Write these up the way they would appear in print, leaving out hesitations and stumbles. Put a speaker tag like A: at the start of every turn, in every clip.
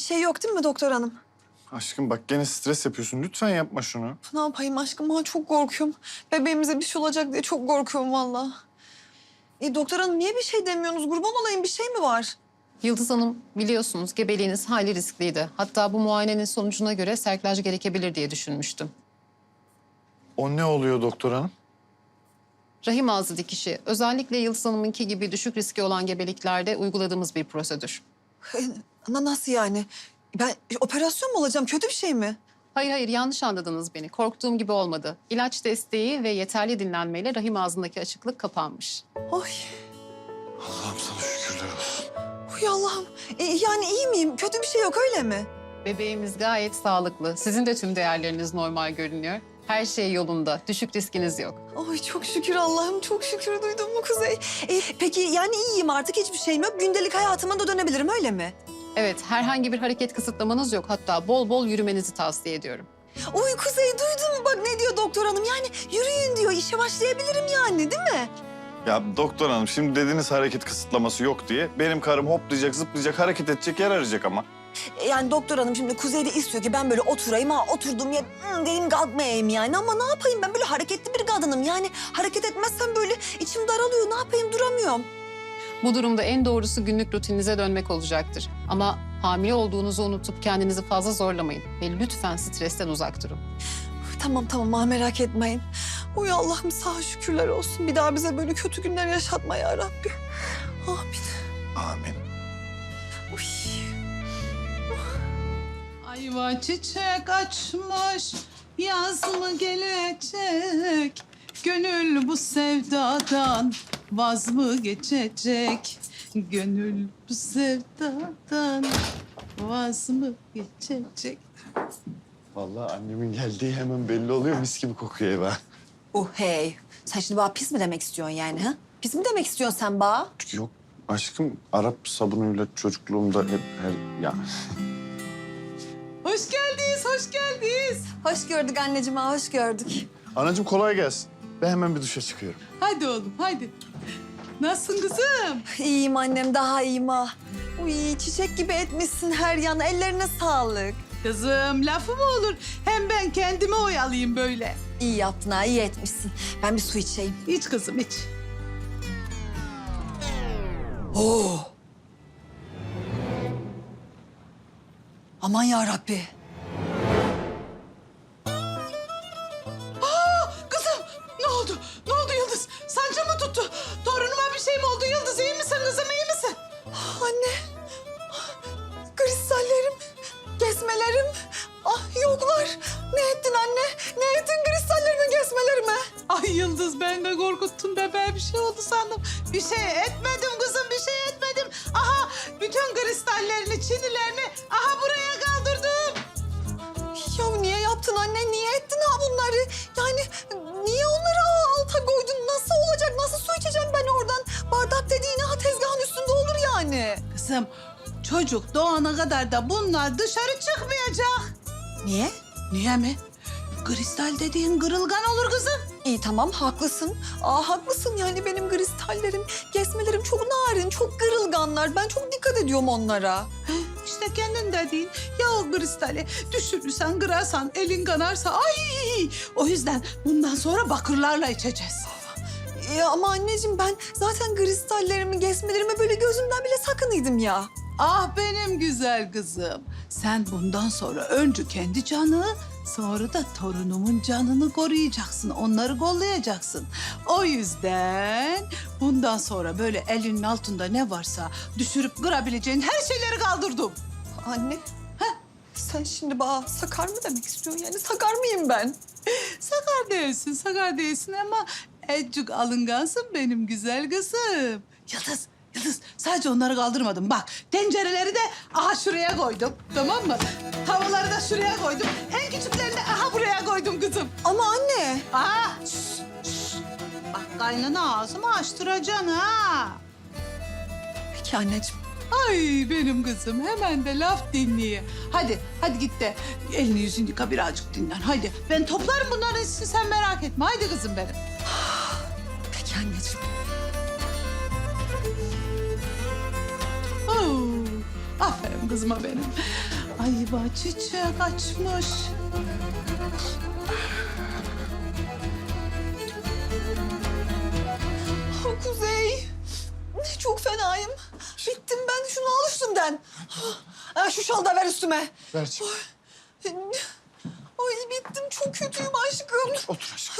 A: şey yok değil mi doktor hanım?
B: Aşkım bak gene stres yapıyorsun. Lütfen yapma şunu.
A: Ne yapayım aşkım? Ben çok korkuyorum. Bebeğimize bir şey olacak diye çok korkuyorum vallahi. Doktor hanım niye bir şey demiyorsunuz? Kurban olayım, bir şey mi var?
C: Yıldız Hanım, biliyorsunuz gebeliğiniz hayli riskliydi. Hatta bu muayenenin sonucuna göre serklaj gerekebilir diye düşünmüştüm.
B: O ne oluyor doktor hanım?
C: Rahim ağzı dikişi, özellikle Yıldız Hanım'ınki gibi düşük riski olan gebeliklerde uyguladığımız bir prosedür.
A: Nasıl yani? Ben operasyon mu olacağım? Kötü bir şey mi?
C: Hayır, yanlış anladınız beni. Korktuğum gibi olmadı. İlaç desteği ve yeterli dinlenmeyle rahim ağzındaki açıklık kapanmış.
A: Ay,
B: Allah'ım sana şükürler olsun.
A: uy Allah'ım. Yani iyi miyim? Kötü bir şey yok öyle mi?
C: Bebeğimiz gayet sağlıklı. Sizin de tüm değerleriniz normal görünüyor. Her şey yolunda. Düşük riskiniz yok.
A: Ay çok şükür Allah'ım, çok şükür duydun mu Kuzey? Peki yani iyiyim artık, hiçbir şeyim yok. Gündelik hayatıma da dönebilirim öyle mi?
C: Evet, herhangi bir hareket kısıtlamanız yok. Hatta bol bol yürümenizi tavsiye ediyorum.
A: Uy Kuzey duydun mu? Bak ne diyor doktor hanım? Yani yürüyün diyor, işe başlayabilirim yani değil mi?
B: Ya doktor hanım şimdi dediniz hareket kısıtlaması yok diye. Benim karım hoplayacak, zıplayacak, hareket edecek, yer arayacak ama.
A: Yani doktor hanım şimdi Kuzey de istiyor ki ben böyle oturayım, oturduğum yer dedim kalkmayayım yani. Ama ne yapayım, ben böyle hareketli bir kadınım. Yani hareket etmezsem böyle içim daralıyor, ne yapayım, duramıyorum.
C: Bu durumda en doğrusu günlük rutininize dönmek olacaktır. Ama hamile olduğunuzu unutup kendinizi fazla zorlamayın. Ve lütfen stresten uzak durun.
A: Tamam merak etmeyin. Uy Allah'ım sağ şükürler olsun. Bir daha bize böyle kötü günler yaşatma ya Rabbi. Amin.
B: Amin.
A: Uy.
D: Ayva çiçek açmış, yaz mı gelecek? Gönül bu sevdadan vaz mı geçecek? Gönül bu sevdadan vaz mı geçecek?
B: Vallahi annemin geldiği hemen belli oluyor. Mis gibi kokuyor eve.
A: Hey. Sen şimdi bana pis mi demek istiyorsun yani ha? Pis mi demek istiyorsun sen bana?
B: Yok aşkım Arap sabunuyla çocukluğumda hep her... Ya
D: Hoş geldiniz, hoş geldiniz.
A: Hoş gördük anneciğim, hoş gördük.
B: anacığım kolay gelsin. Ben hemen bir duşa çıkıyorum.
D: Hadi oğlum, hadi. Nasılsın kızım?
A: İyiyim annem, daha iyiyim ha. Uy çiçek gibi etmişsin her yanı, ellerine sağlık.
D: Kızım, lafı mı olur? Hem ben kendimi oyalayayım böyle.
A: İyi yaptın ha, iyi etmişsin. Ben bir su içeyim.
D: İç kızım, iç.
A: Oo. Aman ya Rabbi.
D: Kızım ne oldu? Ne oldu Yıldız? Sancı mı tuttu? Torunuma bir şey mi oldu Yıldız? İyi misin kızım, iyi misin?
A: Anne. Kristallerim, kesmelerim. Yoklar. Ne ettin anne? Ne ettin kristallerimi, kesmelerimi?
D: Ay Yıldız, ben de korkuttun bebeğe, bir şey oldu sandım. Bir şey etmedim kızım, bir şey etmedim. Aha bütün kristallerini, çinilerini aha buraya kaldırdım.
A: Ya niye yaptın anne? Niye ettin ha bunları? Yani niye onları alta koydun? Nasıl olacak? Nasıl su içeceğim ben oradan? Bardak dediğin ha tezgahın üstünde olur yani.
D: Kızım, çocuk doğana kadar da bunlar dışarı çıkmayacak.
A: Niye?
D: Niye mi? Kristal dediğin kırılgan olur kızım.
A: İyi tamam haklısın. Haklısın yani benim kristallerim, kesmelerim çok narin, çok kırılganlar. Ben çok dikkat ediyorum onlara.
D: İşte kendin dediğin ya o kristali düşürürsen, kırarsan, elin kanarsa ay. O yüzden bundan sonra bakırlarla içeceğiz.
A: Ama anneciğim ben zaten kristallerimi, kesmelerimi böyle gözümden bile sakınıydım ya.
D: Ah benim güzel kızım. Sen bundan sonra önce kendi canı, sonra da torunumun canını koruyacaksın. Onları kollayacaksın. O yüzden bundan sonra böyle elinin altında ne varsa düşürüp kırabileceğin her şeyleri kaldırdım.
A: Anne, sen şimdi bana sakar mı demek istiyorsun? Yani sakar mıyım ben?
D: Sakar değilsin ama ecik alıngansın benim güzel kızım. Yıldız, sadece onları kaldırmadım. Bak, tencereleri de aha şuraya koydum, tamam mı? Tavaları da şuraya koydum. En küçüklerini de aha buraya koydum kızım.
A: Ama anne.
D: Aha, şş. Bak kaynana ağzımı açtıracaksın ha.
A: Peki anneciğim.
D: Ay benim kızım, hemen de laf dinleye. Hadi git de elini yüzünü yıka, birazcık dinlen. Haydi, ben toplarım bunların hepsini, sen merak etme. Haydi kızım benim.
A: Peki anneciğim.
D: Oo, aferin kızıma benim. Ayva çiçek açmış.
A: Oh, Kuzey. Çok fenayım. Bittim ben. Şunu al üstümden. Şu şalı da ver üstüme.
B: Ver çek.
A: Ay bittim. Çok kötüyüm aşkım.
B: Otur aşkım.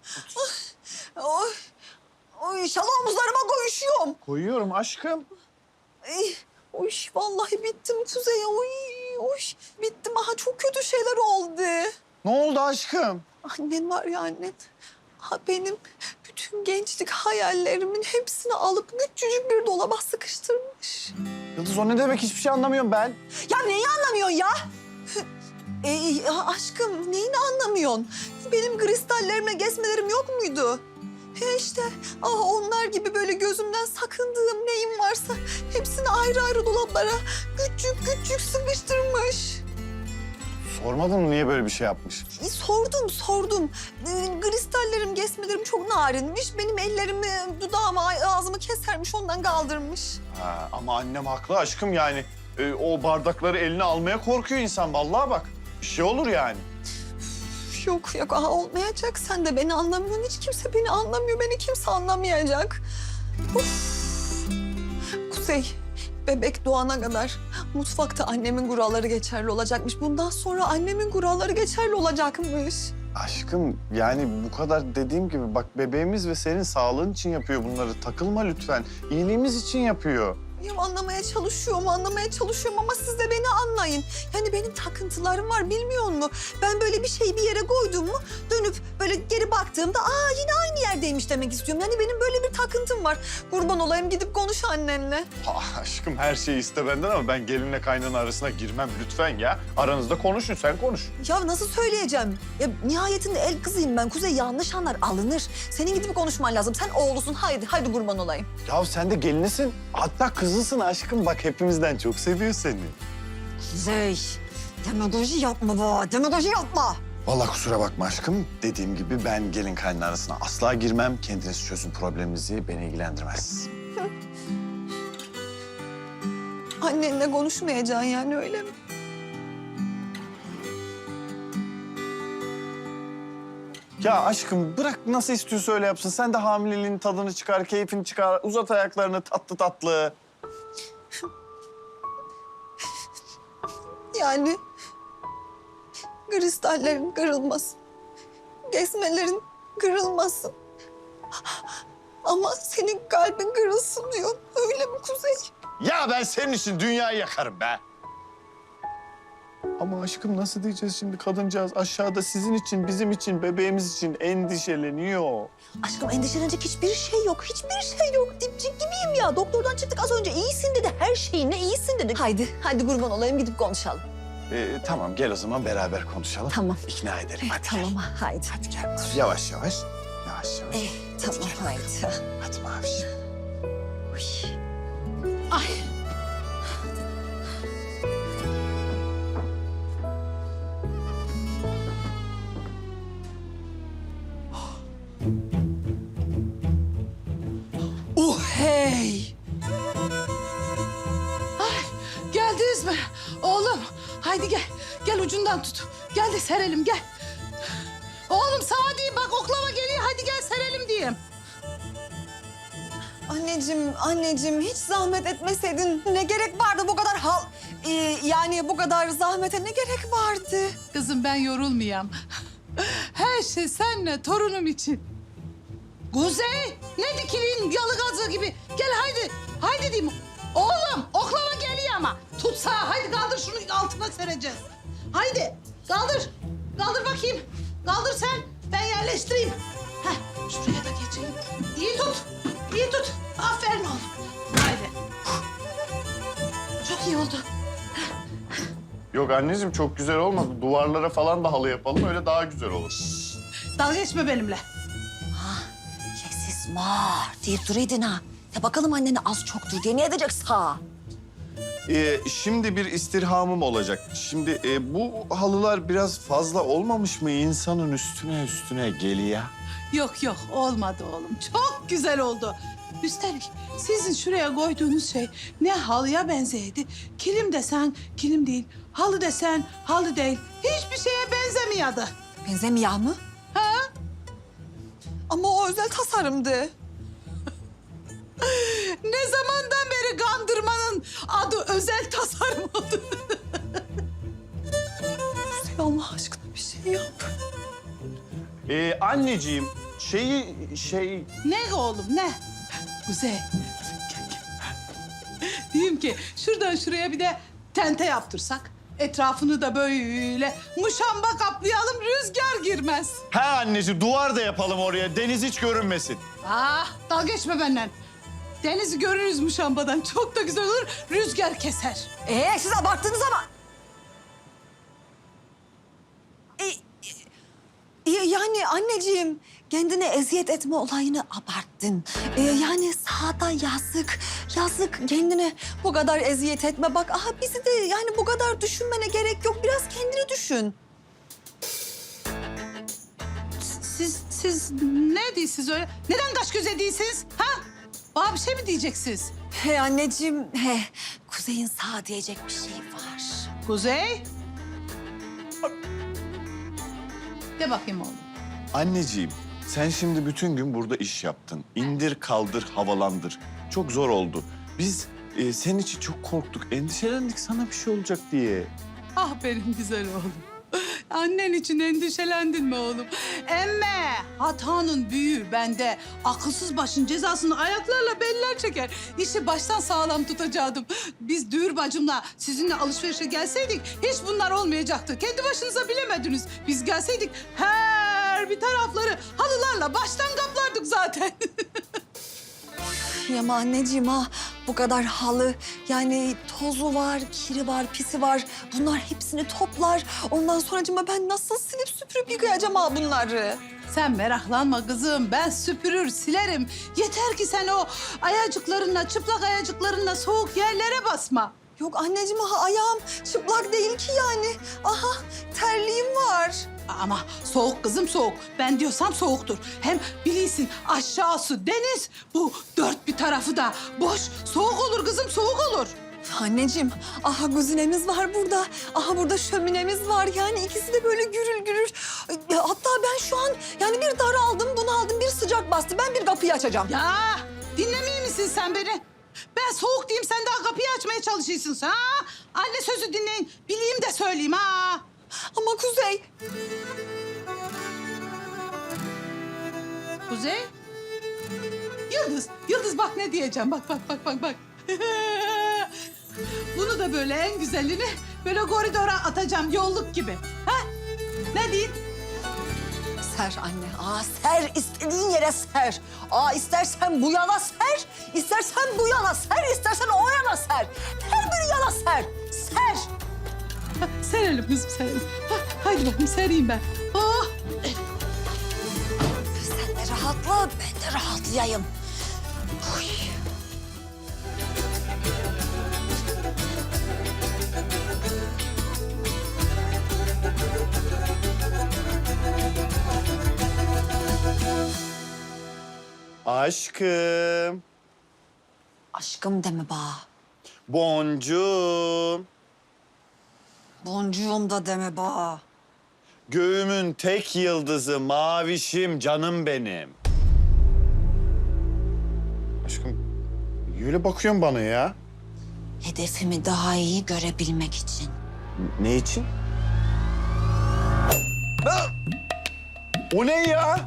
A: Ay şalı omuzlarıma koyuşuyorum.
B: Koyuyorum aşkım.
A: Ay, oy vallahi bittim Kuzey. Oy bittim. Aha çok kötü şeyler oldu.
B: Ne oldu aşkım?
A: Annen var ya annen. Ha benim bütün gençlik hayallerimin hepsini alıp küçücük bir dolaba sıkıştırmış.
B: Yıldız o ne demek? Hiçbir şey anlamıyorum ben.
A: Ya neyi anlamıyorsun ya? Aşkım neyini anlamıyorsun? Benim kristallerimle gezmelerim yok muydu? İşte onlar gibi böyle gözümden sakındığım neyim varsa hepsini ayrı ayrı dolaplara küçük sıkıştırmış.
B: Sormadın mı niye böyle bir şey yapmış?
A: Sordum. Kristallerim, gesmelerim çok narinmiş. Benim ellerimi, dudağımı, ağzımı kesermiş, ondan kaldırmış.
B: Ha, ama annem haklı aşkım yani. O bardakları eline almaya korkuyor insan. Vallahi bak. Bir şey olur yani.
A: Yok, olmayacak. Sen de beni anlamıyorsun. Hiç kimse beni anlamıyor. Beni kimse anlamayacak. Kuzey, bebek doğana kadar mutfakta annemin kuralları geçerli olacakmış. Bundan sonra annemin kuralları geçerli olacakmış.
B: Aşkım yani bu kadar dediğim gibi bak bebeğimiz ve senin sağlığın için yapıyor bunları. Takılma lütfen. İyiliğimiz için yapıyor.
A: Ya anlamaya çalışıyorum ama siz de beni anlayın. Yani benim takıntılarım var bilmiyor musun? Ben böyle bir şeyi bir yere koydum mu dönüp böyle geri baktığımda yine aynı yerdeymiş demek istiyorum. Yani benim böyle bir takıntım var. Kurban olayım gidip konuş annenle.
B: Aşkım her şeyi iste benden ama ben gelinle kaynana arasına girmem lütfen ya. Aranızda konuşun sen konuş.
A: Ya nasıl söyleyeceğim? Ya nihayetinde el kızıyım ben. Kuzey yanlış anlar alınır. Senin gidip konuşman lazım. Sen oğlusun haydi kurban olayım.
B: Ya sen de gelinisin. Hatta kızısın aşkım. Bak hepimizden çok seviyor seni.
A: Kuzey demagoji yapma be. Demagoji yapma.
B: Vallahi kusura bakma aşkım. Dediğim gibi ben gelin kaynana arasına asla girmem. Kendiniz çözün probleminizi. Beni ilgilendirmez.
A: Annenle konuşmayacaksın yani öyle mi?
B: Ya aşkım bırak nasıl istiyorsa öyle yapsın. Sen de hamileliğin tadını çıkar, keyfini çıkar. Uzat ayaklarını tatlı tatlı.
A: Yani kristallerin kırılmasın. Gezmelerin kırılmasın. Ama senin kalbin kırılsın diyor. Öyle mi Kuzey?
B: Ya ben senin için dünyayı yakarım be. Ama aşkım nasıl diyeceğiz şimdi kadıncağız aşağıda sizin için, bizim için, bebeğimiz için endişeleniyor.
A: Aşkım endişelenecek hiçbir şey yok. Hiçbir şey yok. Dipçik gibiyim ya. Doktordan çıktık az önce. İyisin dedi. Her şeyinle iyisin dedi. Haydi kurban olayım gidip konuşalım.
B: Tamam gel o zaman beraber konuşalım.
A: Tamam.
B: İkna edelim hadi
A: Tamam
B: gel.
A: haydi.
B: Hadi gel. Yavaş yavaş.
A: Tamam haydi.
B: Hadi Maviş.
D: Ay. Hey! Ay, geldiniz mi? Oğlum, haydi gel. Gel ucundan tut. Gel de serelim, gel. Oğlum sana diyeyim bak oklava geliyor. Hadi gel serelim diyeyim.
A: Anneciğim hiç zahmet etmeseydin ne gerek vardı bu kadar yani bu kadar zahmete ne gerek vardı?
D: Kızım ben yorulmayayım. Her şey seninle torunum için. Kuzey, ne dikilin yalı gazı gibi. Gel haydi, haydi diyeyim. Oğlum, oklava geliyor ama. Tutsa, haydi kaldır şunu altına sereceğiz. Haydi, kaldır. Kaldır bakayım. Kaldır sen, ben yerleştireyim. Heh, şuraya da geçeyim. İyi tut, iyi tut. Aferin oğlum. Haydi. Çok iyi oldu.
B: Yok anneciğim çok güzel olmadı. Duvarlara falan da halı yapalım öyle daha güzel olur.
D: Dalga geçme benimle.
A: Sessiz var deyip duruydun ha. Ya bakalım annene az çoktur diye ne edecek sağ?
B: Şimdi bir istirhamım olacak. Şimdi bu halılar biraz fazla olmamış mı? İnsanın üstüne geliyor.
D: Yok yok olmadı oğlum. Çok güzel oldu. Üstelik sizin şuraya koyduğunuz şey ne halıya benzeydi. Kilim desen kilim değil. Halı desen halı değil. Hiçbir şeye benzemiyordu.
A: Benzemiyor mu?
D: Ha?
A: Ama o özel tasarımdı.
D: Ne zamandan beri kandırmanın adı özel tasarım oldu?
A: Kuzey Allah aşkına bir şey yap.
B: Anneciğim
D: Ne oğlum ne? Kuzey. Diyeyim ki şuradan şuraya bir de tente yaptırsak. Etrafını da böyle muşamba kaplayalım, rüzgar girmez.
B: Ha anneciğim, duvar da yapalım oraya. Deniz hiç görünmesin.
D: Dalga geçme benden. Denizi görürüz muşambadan. Çok da güzel olur, rüzgar keser.
A: Siz abarttınız ama. Yani anneciğim kendine eziyet etme olayını abarttın. Yani sağda yazık kendine bu kadar eziyet etme. Bak aha bizi de yani bu kadar düşünmene gerek yok. Biraz kendini düşün.
D: Siz ne diyorsunuz öyle? Neden kaş göze değilsiniz? Ha? Bana bir şey mi diyeceksiniz?
A: He anneciğim, Kuzey'in sağ diyecek bir şey var.
D: Kuzey? De bakayım oğlum.
B: Anneciğim, sen şimdi bütün gün burada iş yaptın. İndir, kaldır, havalandır. Çok zor oldu. Biz senin için çok korktuk, endişelendik sana bir şey olacak diye.
D: Ah benim güzel oğlum. Annen için endişelendin mi oğlum? Emme hatanın büyüğü bende. Akılsız başın cezasını ayaklarla beller çeker. İşi baştan sağlam tutacaktım. Biz Düğür bacımla sizinle alışverişe gelseydik hiç bunlar olmayacaktı. Kendi başınıza bilemediniz. Biz gelseydik her bir tarafları halılarla baştan kaplardık zaten.
A: Ama anneciğim bu kadar halı yani tozu var, kiri var, pisi var. Bunlar hepsini toplar. Ondan sonracığıma ben nasıl silip süpürüp yıkayacağım bunları?
D: Sen meraklanma kızım. Ben süpürür, silerim. Yeter ki sen o ayacıklarınla, çıplak ayacıklarınla soğuk yerlere basma.
A: Yok anneciğim ayağım çıplak değil ki yani. Aha terliğim var.
D: Ama soğuk kızım soğuk. Ben diyorsam soğuktur. Hem bilirsin aşağısı deniz. Bu dört bir tarafı da boş. Soğuk olur kızım soğuk olur.
A: Anneciğim, aha güzinemiz var burada. Aha burada şöminemiz var. Yani ikisi de böyle gürül gürül. Hatta ben şu an yani bir daraldım, bunaldım, bir sıcak bastı. Ben bir kapıyı açacağım.
D: Ya dinlemiyor misin sen beni? Ben soğuk diyeyim sen daha kapıyı açmaya çalışıyorsun ha? Anne sözü dinleyin. Bileyim de söyleyeyim ha.
A: Ama Kuzey,
D: Kuzey? Yıldız bak ne diyeceğim. Bak. Bunu da böyle en güzelini böyle koridora atacağım yolluk gibi. Ha? Ne diyeyim?
A: ser anne. Ser, istediğin yere ser. İstersen bu yana ser, istersen bu yana ser, istersen o yana ser. Her bir yana ser. Ser.
D: Ha, serelim kızım serelim. Ha, haydi bakayım sereyim ben. Oh.
A: Sen de rahatla, ben de rahatlayayım. Oy.
B: Aşkım,
A: Aşkım deme bana.
B: boncuğum,
A: Boncuğum da deme bana.
B: göğümün tek yıldızı, mavişim, canım benim. Aşkım, öyle bakıyorsun bana ya.
A: Hedefimi daha iyi görebilmek için.
B: Ne için? O ne ya?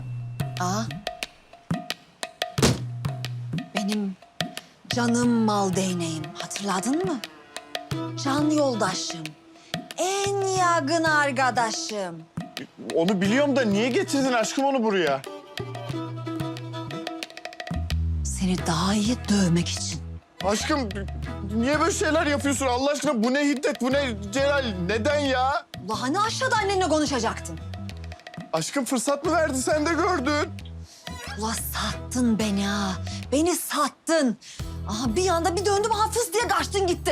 A: Benim canım mal değneğim. Hatırladın mı? Can yoldaşım. En yakın arkadaşım.
B: Onu biliyorum da niye getirdin aşkım onu buraya?
A: Seni daha iyi dövmek için.
B: Aşkım niye böyle şeyler yapıyorsun Allah aşkına? Bu ne hiddet, bu ne celal? Neden ya?
A: Ulan hani aşağıda annenle konuşacaktın?
B: Aşkım fırsat mı verdi sen de gördün.
A: Ulan sattın beni ha. Beni sattın. Aha bir anda bir döndüm hafız diye kaçtın gittin.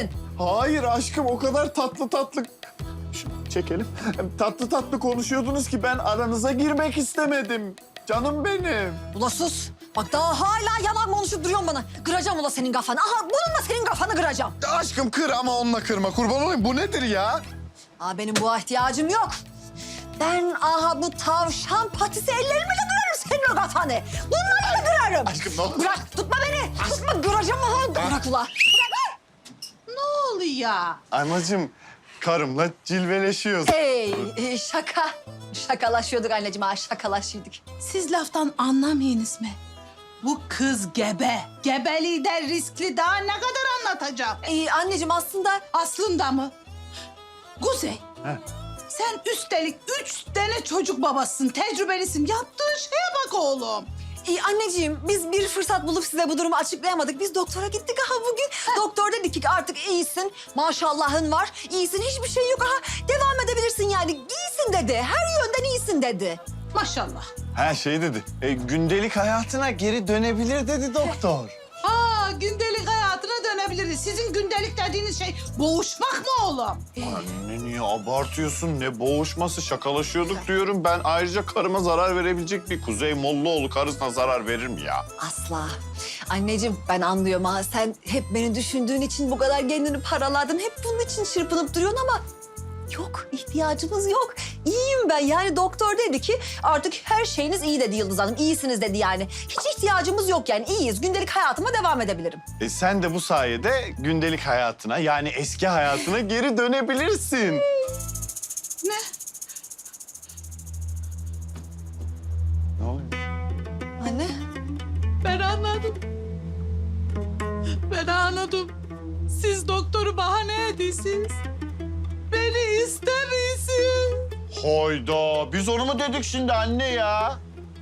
B: Hayır aşkım o kadar tatlı tatlı... Çekelim. Tatlı tatlı konuşuyordunuz ki ben aranıza girmek istemedim. Canım benim.
A: Ula sus. Bak daha hala yalan konuşup duruyorsun bana. Kıracağım ula senin kafanı. Aha bununla senin kafanı kıracağım.
B: Aşkım kır ama onunla kırma. Kurban olayım. Bu nedir ya?
A: Aa, benim buna ihtiyacım yok. Ben aha bu tavşan patisi ellerimle kırarım senin o kafanı. Bunlarla kırarım.
B: Aşkım ne olur.
A: Bırak tutma beni. Tutma kıracağım aha. Bırak ula.
D: Ne oluyor?
B: Anacığım karımla cilveleşiyoruz.
A: Hey şaka. Şakalaşıyorduk anneciğim ha şakalaşıyorduk.
D: Siz laftan anlamayınız mı? Bu kız gebe. Gebeliği de riskli, daha ne kadar anlatacağım?
A: Anneciğim aslında
D: Aslında mı? Kuzey.
B: He.
D: Sen üstelik 3 tane çocuk babasısın, tecrübelisin. Yaptığın şeye bak oğlum.
A: anneciğim biz bir fırsat bulup size bu durumu açıklayamadık. Biz doktora gittik aha bugün. Doktor dedi ki artık iyisin. Maşallahın var. İyisin hiçbir şey yok aha. Devam edebilirsin yani. İyisin dedi. Her yönden iyisin dedi.
D: Maşallah.
B: Ha şey dedi. Gündelik hayatına geri dönebilir dedi doktor.
D: Gündelik hayatına dönebiliriz. Sizin gündelik dediğiniz şey boğuşmak mı oğlum?
B: Anne niye abartıyorsun? Ne boğuşması şakalaşıyorduk diyorum. Ben ayrıca karıma zarar verebilecek bir Kuzey Mollaoğlu karısına zarar verir mi ya?
A: Asla. Anneciğim ben anlıyorum ha. Sen hep beni düşündüğün için bu kadar kendini paraladın. Hep bunun için çırpınıp duruyorsun ama... Yok, ihtiyacımız yok. İyiyim ben. Yani doktor dedi ki artık her şeyiniz iyi dedi Yıldız Hanım. İyisiniz dedi yani. Hiç ihtiyacımız yok yani. İyiyiz. Gündelik hayatıma devam edebilirim.
B: Sen de bu sayede gündelik hayatına yani eski hayatına geri dönebilirsin.
D: Ne?
B: Ne oluyor?
A: Anne.
D: Ben anladım. Ben anladım. Siz doktoru bahane ediyorsunuz. Beni istemiyorsun.
B: Hayda biz onu mu dedik şimdi anne ya?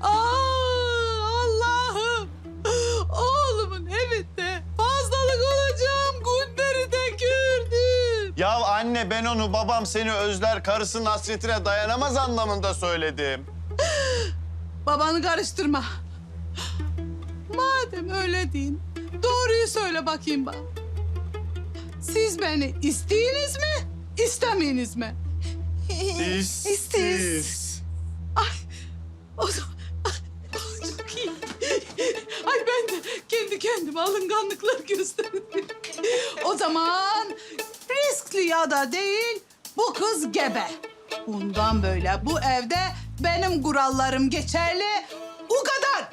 D: Allah'ım. Oğlumun evinde fazlalık olacağım günleri de gördüm.
B: Ya anne ben onu babam seni özler karısının hasretine dayanamaz anlamında söyledim.
D: Babanı karıştırma. Madem öyle deyin, doğruyu söyle bakayım bana. Siz beni isteyiniz mi, istemeyiniz mi?
A: İsteyiz.
D: O zaman çok iyi. Ay ben de kendi kendime alınganlıklar gösterdim. O zaman riskli ya da değil, bu kız gebe. Bundan böyle bu evde benim kurallarım geçerli. O kadar.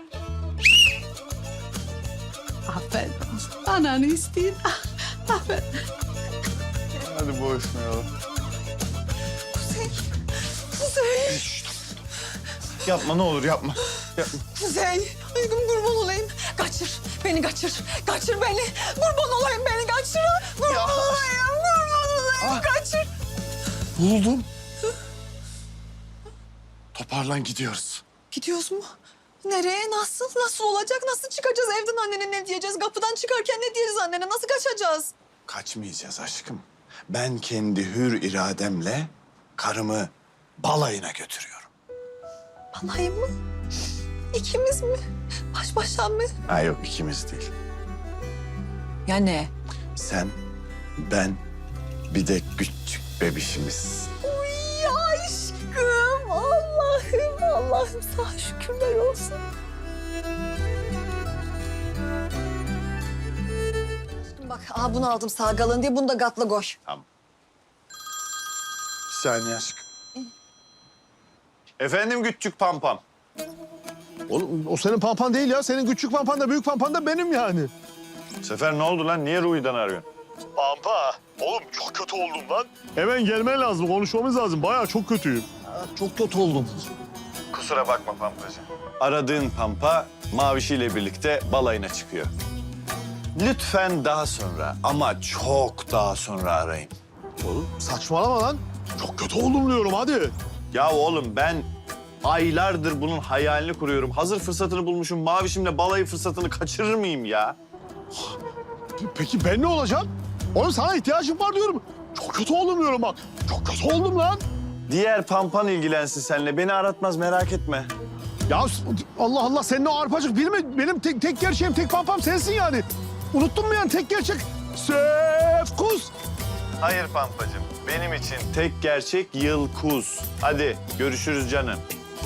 D: Aferin. Ananı isteyin. Aferin.
B: Hadi boğuşmayalım.
A: Kuzey. Kuzey.
B: Yapma ne olur yapma. Yapma.
A: Kuzey. Aşkım kurban olayım. Kaçır. Beni kaçır. Kaçır beni. Kurban olayım beni kaçır. Kurban
B: Ya.
A: olayım. Kurban olayım. Kaçır.
B: Buldum. Toparlan gidiyoruz.
A: Gidiyoruz mu? Nereye? Nasıl? Nasıl olacak? Nasıl çıkacağız evden annene ne diyeceğiz? Kapıdan çıkarken ne diyeceğiz annene? Nasıl kaçacağız?
B: Kaçmayacağız aşkım. Ben kendi hür irademle karımı balayına götürüyorum.
A: Balayım mı? İkimiz mi? Baş başa mı?
B: Ha yok ikimiz değil.
A: Ya ne?
B: Sen, ben, bir de küçük bebişimiz.
A: Uy aşkım. Allah'ım. Allah'ım sana şükürler olsun. Aşkım bak bunu aldım sağ galın diye bunu da gatla koy.
B: Tamam. Bir saniye aşkım. Efendim küçük pampam.
E: Oğlum o senin pampan değil ya. Senin küçük pampan da büyük pampan da benim yani.
B: Sefer ne oldu lan? Niye Ruhi'den arıyorsun?
E: Pampa. Oğlum çok kötü oldum lan. Hemen gelmen lazım. Konuşmamız lazım. Bayağı çok kötüyüm. Çok kötü oldum.
B: Kusura bakma Pampacığım. Aradığın Pampa Mavişi'yle birlikte balayına çıkıyor. Lütfen daha sonra ama çok daha sonra arayın.
E: Oğlum saçmalama lan. Çok kötü oldum diyorum hadi.
B: Ya oğlum ben aylardır bunun hayalini kuruyorum. Hazır fırsatını bulmuşum. Mavişimle balayı fırsatını kaçırır mıyım ya?
E: Peki ben ne olacağım? Oğlum sana ihtiyacım var diyorum. Çok kötü oldum diyorum bak. Çok kötü oldum lan.
B: Diğer Pampan ilgilensin seninle. Beni aratmaz merak etme.
E: Ya Allah Allah senin o arpacık bilme. Benim tek gerçeğim, tek pampam sensin yani. Unuttun mu yani tek gerçek Sefkus.
B: Hayır Pampacığım. Benim için tek gerçek Yılkuz. Hadi görüşürüz canım.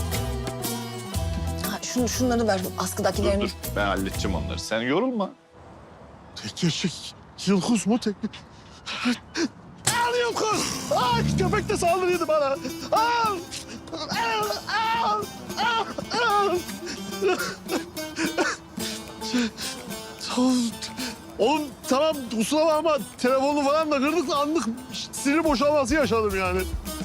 A: Ha, şunları ver
B: Dur
A: askıdakilerini.
B: dur. Ben halledeceğim onları. Sen yorulma.
E: Tek gerçek Yılkuz mu tek? Al Yılkuz. Ay köpek de saldırıyordu bana. Al. Al. Al. Al. Al. Oğlum tamam kusura bakma telefonu falan da kırdık da anlık sinir boşalması yaşadım yani.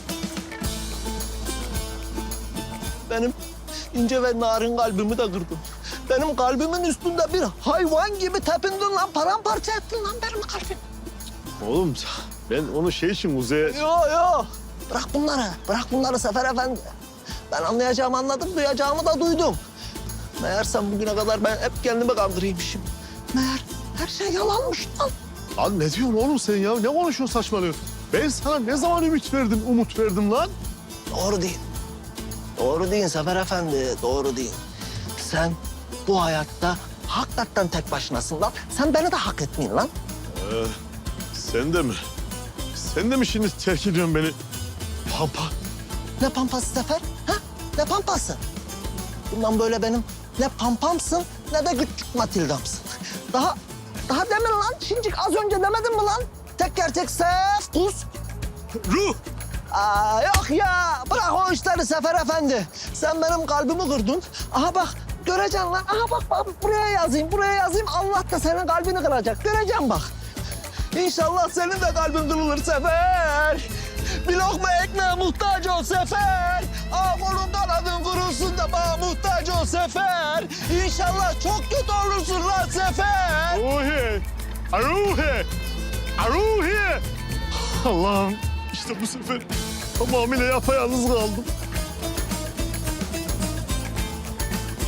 F: Benim ince ve narin kalbimi de kırdın. Benim kalbimin üstünde bir hayvan gibi tepindin lan. Paramparça ettin lan benim kalbimi.
E: Oğlum ben onu şey için Kuzey'e...
F: Yo. Bırak bunları. Bırak bunları Sefer Efendi. Ben anlayacağımı anladım, duyacağımı da duydum. Meğersem bugüne kadar ben hep kendimi kandırıymışım. Meğer her şey yalanmış lan.
E: Lan ne diyorsun oğlum sen ya? Ne konuşuyorsun saçmalıyorsun? Ben sana ne zaman ümit verdim, umut verdim lan?
F: Doğru değil. Doğru değil Sefer Efendi, doğru değil. Sen bu hayatta hakikaten tek başınasın lan. Sen beni de hak etmeyin lan.
E: Sen de mi? Sen de mi şimdi terk ediyorsun beni? Pampa.
F: Ne pampası Sefer? Ha? Ne pampası? Bundan böyle benim ne pampamsın ne de küçük Matilda'msın. Daha demin lan, şincik az önce demedin mi lan? Tek gerçek Sefkus.
E: Ruh!
F: Aa, yok ya, bırak o işleri Sefer Efendi. Sen benim kalbimi kırdın. Aha bak, göreceksin lan. Aha bak buraya yazayım. Allah da senin kalbini kıracak. Göreceksin bak. İnşallah senin de kalbin kırılır Sefer. Bir lokma ekmeğe muhtaç ol Sefer. Aa kolun kanadın kırılsın da bana muhtaç ol Sefer. İnşallah çok kötü olursun lan Sefer.
E: Ruhi! Ruhi! Ruhi! Allah'ım işte bu sefer tamamıyla yapayalnız kaldım.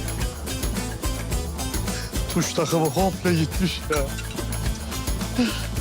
E: Tuş takımı komple gitmiş ya.